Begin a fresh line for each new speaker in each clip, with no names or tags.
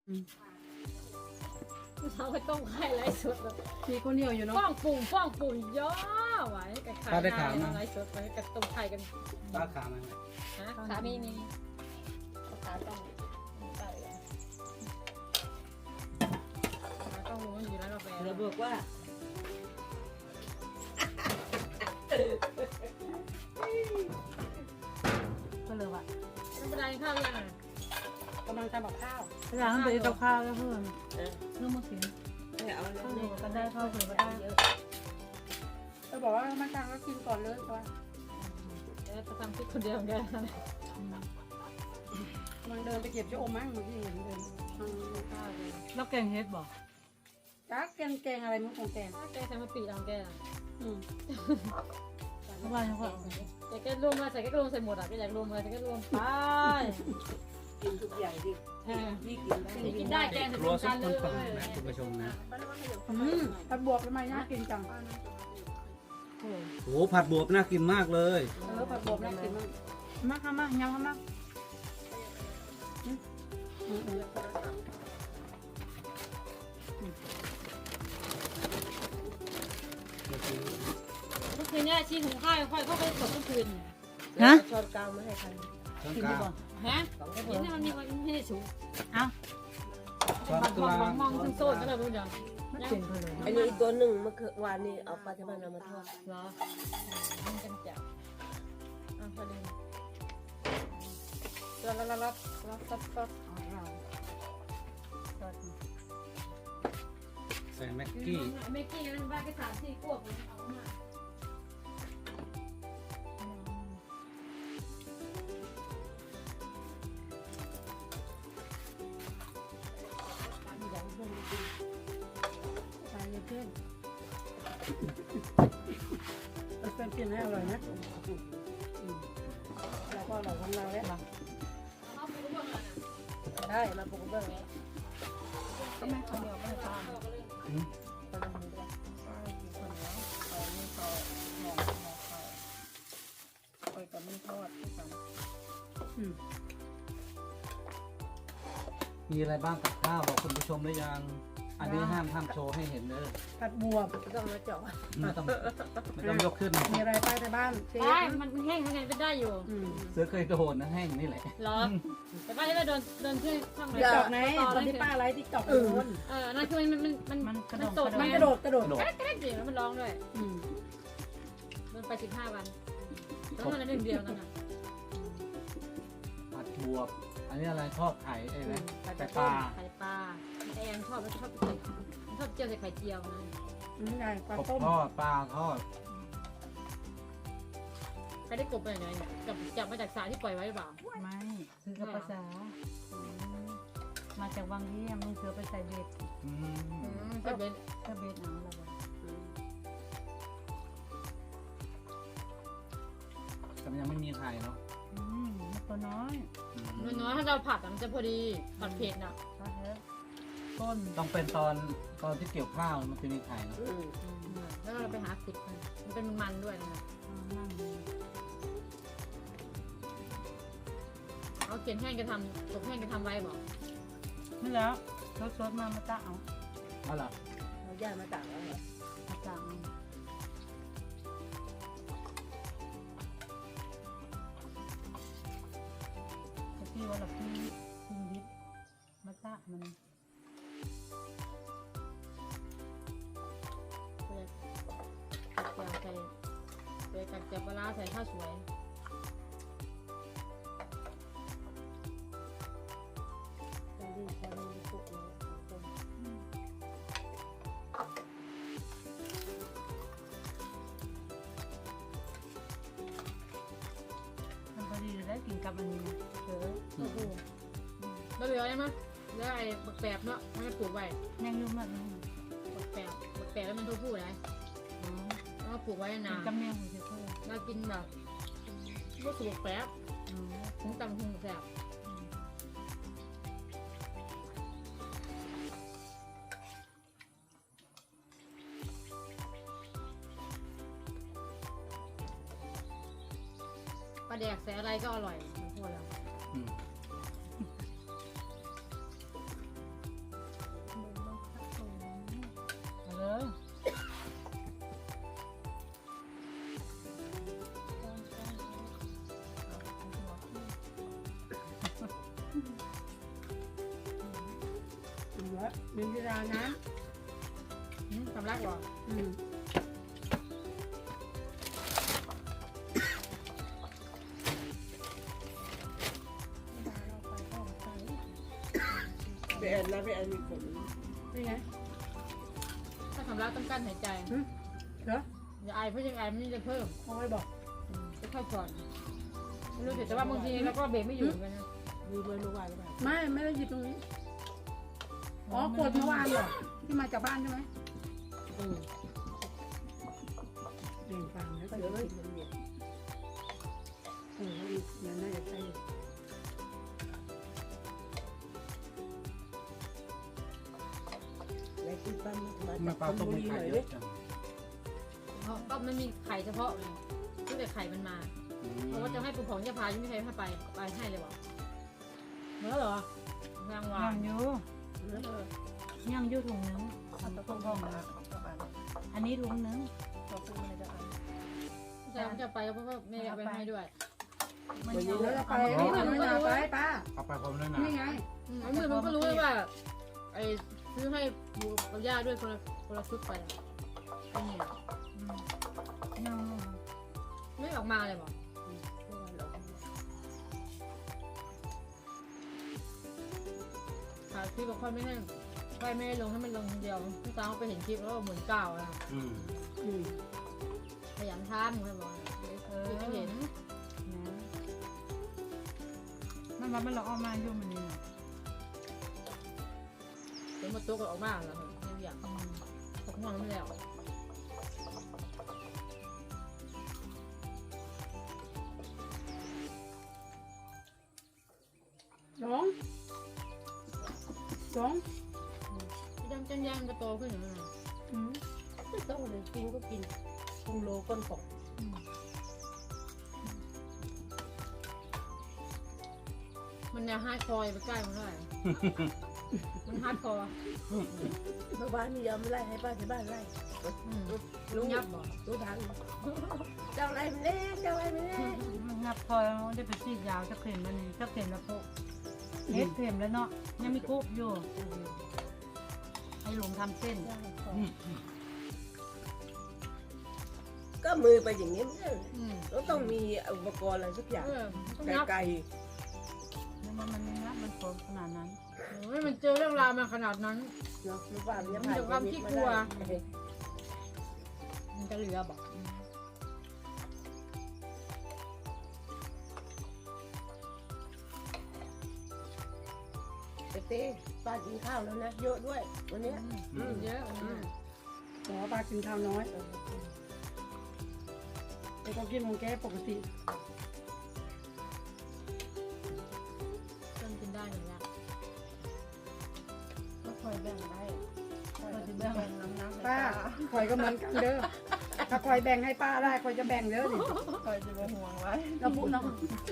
เช้าไปต้มไข่ไร้สดแบบ
มีคนเดียวอยู่เนาะ
ฟ้องปุ่งย่อไว้กับไข่ไร้สดไว้กับต้มไข่กัน
ป้าขามัน
นะขามีขาต้องใส่ขาต้องรู้อยู่แล้วกาแฟ
เราบอกว่า
ก็เลยว่ะ
ไม่เป็นไรข้าวยังอ่ะ
กำลังทำกับข้าว
อยากให้ไปกับข้าวแล้วเพื่อน
เออ
เรื่องมากิน
ไม่เอาแล้ว
ก็ได้ข้าวเผื่อได้
เยอะ
ก็บอกว่ามาทางก็กินก่อนเลยตัว
แล้วจะทำพริกคนเดียวกัน
มันเดินไปเก็บชะอมมั้งเมื่อกี้เห็นเดินทางข้าวเลย
แล้วแกงเฮ็ดบอก
จักแกงอะไรมั้งของแกง
แกใส่มาปีเอาแก
อืม
เพราะว่าเขา
แต่แกรวมมาใส่แกรวมใส่หมดอ่ะแกอยากรวมอะไรแกรวมไป
กินทุกอย่างที่นี่กินได้
กินได้แกง
ค
ใส่
รัว
รวม
สุ
กั
ด
น
ค
เล
นปัง
ย
นะคุณผู้ชมนะ
ผัดบวบทำไมน่ากินจัง
โอ้ผัดบวบน่ากินมากเลย
ผัดบวบน่ากินมาก
มาค่ะมายำค่ะมา
เมื่อคืนเนี่ยชีหุงข้าวค่อยเข้าไปกดเมื่อคืน
ฮะ
ช้อนกลางมาให้กัน
ช้อน
กิน
ก
ดี
ลาง
บ่
ฮะกินให้มันมีความไม่ได้สูง
เอ้า
ช้อนกลาง
มองซึ่งโซนก็เลยรู้จัก
ไม่เป็นเพลิน
อันนี้อีกตัวหนึ่งเมื่อคืนวานนี้เอาปลาทมันเอามาทอด
เหรอมันกันจับอ่ะพอดีรับของเรา
ใส่แม็กกี้
เมกกี้นั้นบ้านก็สามสี่ขวบเอามา
ใส่เพื่อนเพื่อนกินให้อร่อยนะแล้วก็อร่อยของเราแล้ว
เอาไปก็เบิ่งเลยนะ
ได้มาปรุงเบื้องนี้
ก็ไม่คนเดียวไม่ทาน
ไปกับมีทอดที่สั่ง
มีอะไรบ้างกับข้าวบอกคุณผู้ชมหรือยัง อันนี้ห้ามโชว์ให้เห็นเด้อ
ผัดบวบ
ต้องมาเจาะ
ไม่ต้องยกขึ้น
มีอะไรไปในบ้านเชฟ
ได้มันแห้งยังไงเป็นได้อยู่
เสือเคยโดนนะแห้งนี่แหละ
เหรอแต่บ้านที่ว่าโดนที่ข้างใน
ติ๊กตอกไหนคนที่ป้าไลฟ์ติ๊กตอกโดน
นั่นคือมันสด
มันกระโดด
กระโดด
แก๊กๆจริงแล้วมันร้องด้วยโดนไป15 วันแล้วมันเรื่องเดียวนั่นน่ะ
ผัดบวบ อันนี้อะไรทอดไข่ไอ้ไหมไข่ปลา
ไข่ปลาแอนชอบเจียวใส่ไข่เจียวนะ
นี่ไงปลาก
บ
ต้ม
ทอดปลาทอด
ใครได้กบไปไหนเนี่ยจับมาจากสาที่ปล่อยไว้หรือเปล่า
ไม่ซื้อกับภาษามาจากวังเยี่ยมมึงเสือไปใส่เบ็ด
อืม
ใช่เป็น
ก็เบ็ดเอาละวะ
แต่มันยังไม่มีไข่เนาะ
ตัวน้อย
น้อยถ้าเราผัดมันจะพอดีผัดเผ็ดน่ะ
ก็เถอะต้น
ต้องเป็นตอนที่เกี่ยวข้าวมันจะมีไข่เนาะ
แล้วเราไปหาขุดมันเป็นมันด้วยนะ
นั่ง
เอาเขียนแห้งจะทำตกแห้งจะทำไว้บอก
นี่แล้วสดๆมาตะเอา
เอาล่ะ
เราย่ามาต่างแล้วเหรอ
มาตะแต่พี่ว่าเราพี่ดิบมาตะมัน
ใส่กัดเจียวปลาใส่ข้าวสวย
มันพอดีได้กินกับอันนี้เถอะ
แล้วเหลืออะไรมั้ยแล้วไอ้บักแปบเนาะมันปลูกไว้
ยังยุ่งมากเลย
บักแปบแล้วมันทั่วผู้เลยแล้วก็ปลูกไว้นาน
กำเนียงของเธอ
เรากินแบบก็สูบแป๊บถึงตำหุงแซ่บปลาแดกใส่อะไรก็อร่อยมันพูดแล้ว
อืม
แล้วมีเวลานะ
สำลักบ่
ไปแอนนะไปแอนมีผล
นี่ไง
ถ้าสำลักต้องกั้นหายใจ
เหรอ
อย่าไอเพราะยังไอมันจะเพิ่ม
เอาไว้บอก
จะค่อยก่อนไม่รู้แต่ว่าบางทีเราก็เบรกไม่อยู่เหมือนกันนะ
ดูด้วยรู้ว่าหรือเปล่า
ไม่ได้หยิบตรงนี้อ๋อกดเมื่อวานเหรอที่มาจากบ้านใช่ไหมเปลี่ยนฟังแล้วก็
เดี๋
เดี๋
ย
ยว ว
มันเนี่ย
เนี่ยน่าจะใช่
ในที่ปั้นมา
มา
จาก
ปลา
ชล
ต้ม
บุ
ไม่
รีห
ไข่
น่อย
เย
ดิ
อะจัง
เพราะก็มันมีไข่เฉพาะไงตั้งแต่ไข่มันมาเพราะว่าจะให้ปู่ของจะพายังไม่ใช่ให้ไปให้เลยบอกเมื่อเหรอยังวา
ย่าง งอยู่ย่างอยู่ถุงนึงต้มพ่องอันนี้ถุงนึง
จะไปเพราะว่าแม่เอาไปให้ด้วย
มัน
เดี๋
เย
ยว
อะ
เราไปนี่มันไม่นาไปป้า
เอาไปพร้อมด้วยนะ
นี่ไง
ไอ้มือมันก็รู้เลยว่าไอ้ซื้อให้ปู่กับย่าด้วยคนละชุดไปไอ้เนี่ย
ย่าง
ไม่ออกมาเลยบอกถ่ายคลิปบอกค่อยไม่ให้ลงให้มันลงคนเดียวพี่ตาเขาไปเห็นคลิปแล้วก็เหมือนเก่าอ่ะ ขยันทำเลยบอกไม่เห็น
มันว่ามันเราเอามาอยู่มันนี่
เดี๋ยวมาตัวก็ออกมาแล้วยังอยากตกห่วงไม่แล้ว
สอง
พี่ดำจันยางก็โตขึ้นอยู่นั่น
ไม่ต้องเลยกินก็กินกิโลก้นกบ
มันแนวฮาร์ดคอร์ไปใกล้มันเท่าไหร่มันฮาร์ดคอร์
เมื่อวานมียอมไล่ให้ป้าที่บ้านไล่
ลุงยับบอก
รู้ทันเจ้าอะไรมันเล่เจ้าอะไรมันเล่
งับพอได้ไปซีดยาวจะเข็มมันนี่จะเข็มแล้วพวกเฮ็ดเข็มแล้วเนาะยังมีกุ๊บอยู่ให้หลงทำเส้น
ก็มือไปอย่างนี้ไม่ได้
ต้อง
ต้องมีอุปกรณ์อะไรสักอย่าง
ยับ
ไกล
มันงับมันโผล่ขนาดนั้น
ไม่มันเจอเรื่องราวมาขนาดนั้น
ๆเนาะรู้ว่ามันจะ
มัน
ผ่าน
จะความขี้กลัว มันจะเหลือบอก
เต้ป้ากินข้าวแล้วนะเยอะด้วยวันนี้
เยอะ
ขอปลากินข้าวน้อยแต่ก็กินของแกปกติ
จนกินได้หนึ่งแล้ว
ก็คอยแบ่งได้
ก็จะแบ่ง
ป้าคอยก็เหมือนกันเด้อถ้าคอยแบ่งให้ป้าได้คอยจะแบ่งเด้อนี่
คอยจะมาห่วงไว้
เราพูดเนาะ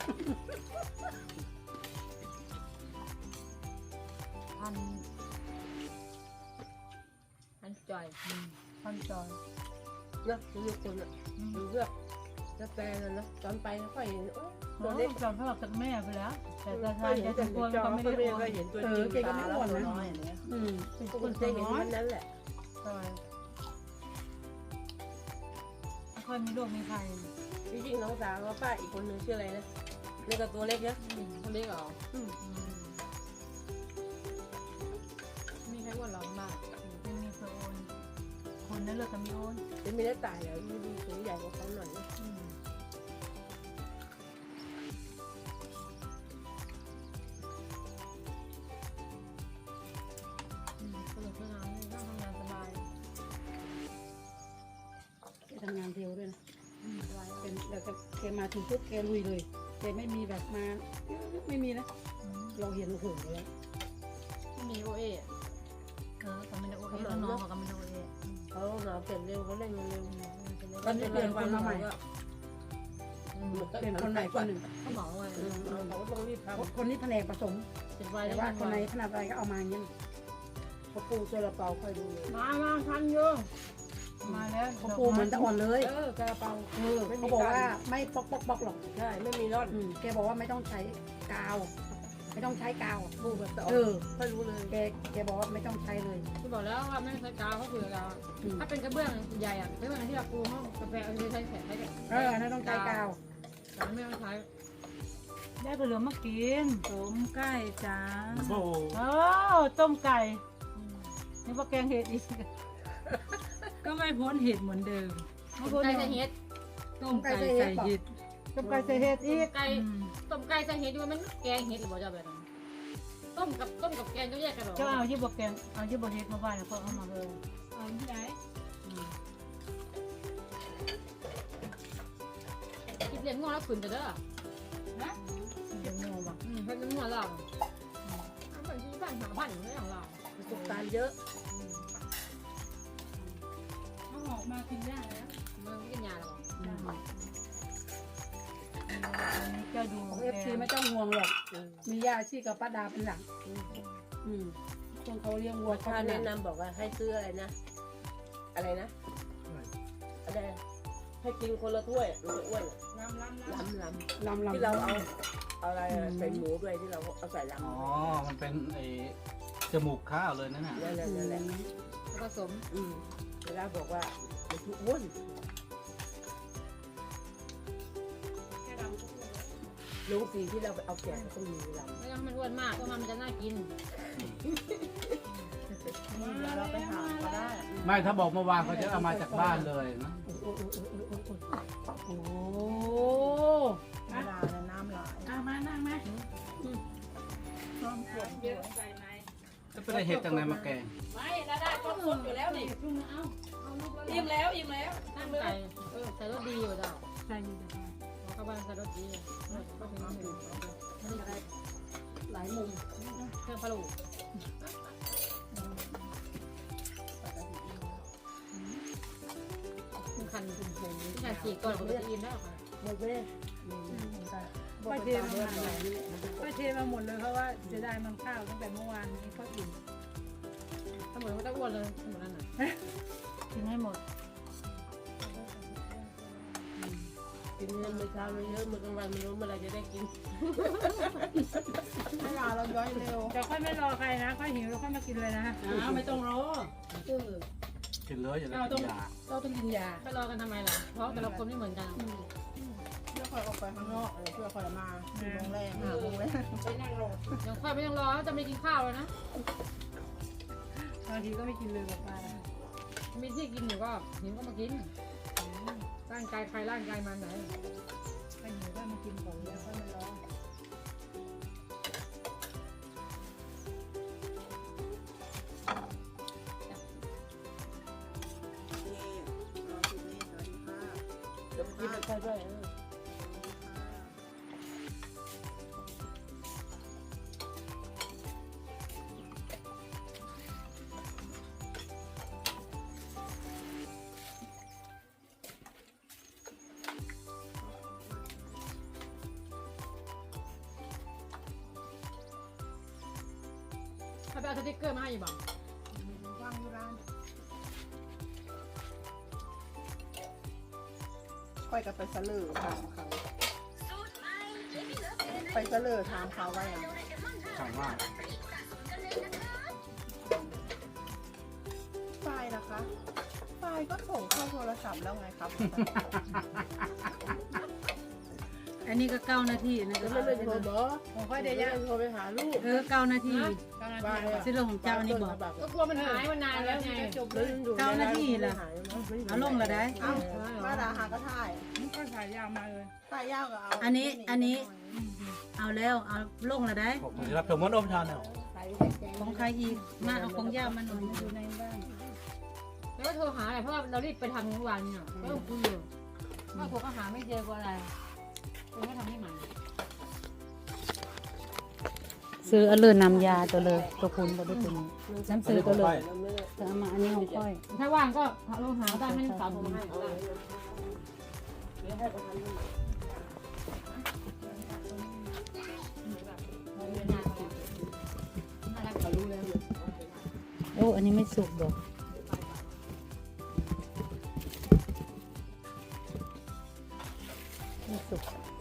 อันจ่อย
พันจอย
เนาะทุกคนอ่ะดูเลือกกาแฟนั่นนะตอนไปค่อยเห็นโอ้
ตั
ตัว ว
เล็
เล็
ก
ก
จอมพ่อจากแม่ไปแล้ว แต่ตา
ก็
ชาย
เห็น
จะ
แต่
ตัว
จอ
ก็ไม่
ก็
ได้
ไม่
โอน
ก็เห็นตัวจริงตาแล้วตัวน้อยเนี่ย
เป็น
ทุก
ค
คน
น
จะ
ตัว
เห็น
น้อย
มันนั้นแหละ
จอยไม่ค่อยมีโรคมีภัย
จริงๆน้องสาวกับป้าอีกคนนึงชื่ออะไรนะนี่ก็ตัวเล็กนะ
คนเล็กเหรอมีใครอ้วนหรอมาก
ไม่มีเคยโอนคนนั้นเลยก็มีโอน
จะมีได้ตายแล้วดูสูงใหญ่กว่าเขาหน่อยนะ
สนุกสนานนั่งทำงานสบาย
แกทำงานเร็วด้วยนะเป็นแล้วก็แกมาถึงปุ๊บแกลุยเลยแกไม่มีแบบมาไม่มีนะเราเห็นโอ้โหแล้ว
ไม่มีโอเอ
ก็ไม่ได้โอเอน้องเขาก็ไม่ได้โอเอ
เขาหนาเปลี่ยนเร็วเขาเร่งเร็ว
ตอนนี้เปลี่ยนคนมาใหม่เป็นคนใหม่คนหนึ่ง
เขาเหมาไง
เขาต้องรีบทำ
คนนี้แผนกผสม
ติดไว
แต่
แล้ว
ว่าคนไหนขนาดอะไรก็เอามาอย่างนี้
เขาปูเซลาเปาค่อยดูเลย
มาทันอยู่
มาแล้ว
เขาปูเหมือนตะอ่อนเลย
ซาลาเปา
เขาบอกว่าไม่ปอกหรอก
ใช่ไม่มีร่อน
แกบอกว่าไม่ต้องใช้กาว แกไม่ต้องใช้กาว
ดูแบบต่อ ค่อยรู้เลย
แกบอกว่าไม่ต้องใช้เลย
ที่บอกแล้วว่าไม่ใช้กาวเขาคือกาวถ้าเป็นกระเบื้องใหญ่อะกระเบื้องที่เราปูห้องกาแฟเอาใช้แขนใช้แขน
อันนั้นต้องใช้กาว
แต่ไม่ต้องใช้
ได้ผลไม้มากินต้มไก่จ้า
โอ้โห
โอ้ต้มไก่นี่ว่าแกงเห็ดอีก ก็ไม่พ้นเห็ดเหมือนเดิม
ไก่ใส่เห็ด
ต้มไก่ใส่เห็ดต้มไก่ใส่เห็ดอีก
ไก่ต้มไก่ใส่เห็ดด้วยมันแกงเห็ดหรือเปล่าจะแบบนั้นต้มกับแกงก็แยกกันหรอ
เจ้าเอายี่บวกแกงเอายี่บวกเห็ดมาบ้านแล้วก็เอามาเลย
เอาที่ไหนคิดเรียนงอแล้วขืนจะเด้อ
เดี๋ยวงงว่ะ
เพิ่นเป็นงอเราเหมือนที่บ้านหาบ้านไม่ของเรา
ประสบการณ์เยอะ
เอาออกมากินได้แล้ว
มันไม่กินยาหรอก
เจ้าดู
ของFC ไม่ต้องห่วงหรอกมีย่าชีกับป้าดาเป็นหลังช่วงเขาเลี้ยงวัวเขา
ถ้า
เป็นหลั
แนะ
ง
นำบอกว่าให้ซื้ออะไรนะ อะไรนะอะไรให้กินคนละถ้วยมันจะอ้วนล้ำ
ลำ
ที่เราเอาอะไรใส่หมูด้วยที่เราเอาใส่ล้ำ
อ๋อ มันเป็นไอ้จมูกข้าวเลยนั่นน่ะ
นั่นแหละ
ผสม
เวลาบอกว่ามันทุกอ้วนลุงสีที่เราไปเอาแกะก็ต้องมีล้ำ
ไม่ต้องมันอ้วนมากเพราะมันจะน่ากิน
เราไปหาก็ได้
ไม่ถ้าบอกเมื่อวานเขาจะเอามาจากบ้านเลยนะ
โอ้
เวลาน้ำไหล
มานั่งไหม
น้ำขวดเยอะ
จะไปได้เห็ดจากไหนมาแกง
ไม่ละได้ก็สดอยู่แล้วนี่
ชุ่มเอา
อิ่มแล้วอิ่มแล้ว
ตั้งใจใส่รสดีอยู่จ้ะ
ใส่อยู่เดี๋ยว
เข้าบ้านใส่รสดีก็ถึงน้ำดื่มนี่อะไร
หลายมุม
เครื่องพะโล้คันที่คันฉีกก่อนผมจะอิ่มแล้วค่ะ
หมดเลย
ป้าเทมาหมดเลยป้าเทมาหมดเลยเพราะว่าจะได้มันข้าวตั้งแต่เมื่อวานนี้ก็อิ่ม
ถ้าหมดก็จะอ้วนเลยหมดนั่นน่ะ
กินให้หมด
กินเงินมื้อเช้าเยอะมื้อกลางวันไม่รู้เมื่อไรจะได้กินเวลาเราย้อยเร็ว
แต่ค่อยไม่รอใครนะค่อยหิวแล้วค่อยมากินเลยนะ
ไม่ต้องรอ
กินเลยอย่าได้กินยา
เราต้องกินยา
ไปรอกันทำไมล่ะเพราะแต่ละคนไม่เหมือนกัน
เพื่อคอยออกไปข้างนอกเพื่อคอยมา4 โมงแรง5 โมงแรง
ไปนั่งรอ
ยังค่อยไม่ต้องรอจะไม่กินข้าวเลยนะ
บางทีก็ไม่กินเลยกับป้า
มีที่กินอยู่ก็หิวก็มากินร่างกายใครร่างกายมันไหน
ไปหิวก็มากินของแล้วค่อยมารอ
เดี๋ยวกินไปใช่ด้วย
ถ้าไปเอาสติ๊กเกอร์มาให้อยู่บ้าง
ว่างอยู่ร้านค่อยกับไปเสลอถามเขาไปเสลอถามเขาว่าอย่าง
ถามว่า
ไฟล์นะคะ ไฟล์ก็ส่งเข้าโทรศัพท์แล้วไงครับ
อันนี้ก็9 นาทีนะ
แล้วไม่เป็นโทรบอก
ของค่อยเดียว
โทรไปหาลูก
9 นาที
บ้าน
สิลงของเจ้านี่บอก
ก็กลัวมันหายมันนานแล้วไง
9 นาทีล่ะเอาลงละได้
เอ้ามาดาหาก็ถ่าย
ก็ถ่ายยาวมาเลย
ถ่ายยาวก็เอา
อันนี้เอาแล้วเอาลงละได้
ผมจะรับชมมดอมชาแนล
ของใครอีกมาเอาของย่ามันอยู่ในบ้าน
แล้วก็โทรหาอะไรเพราะว่าเรารีบไปทำเมื่อวานเนี่ยก็ต้องคุยอยู่ว่าผมก็หาไม่เจอกว่าอะไรคุณก็ทำให้ใหม่
ซื้อเอาเลยนำยาตัวเลยตัวคุณตัวด้วยตัวนี้น้ำซื้อตัวเลยแต่เอามาอันนี้ของค่อย
ถ้าว่างก็ลองหาได้ให้ลูกสาวผมให้ได้
โอ้อันนี้ไม่สุกดอกไม่สุก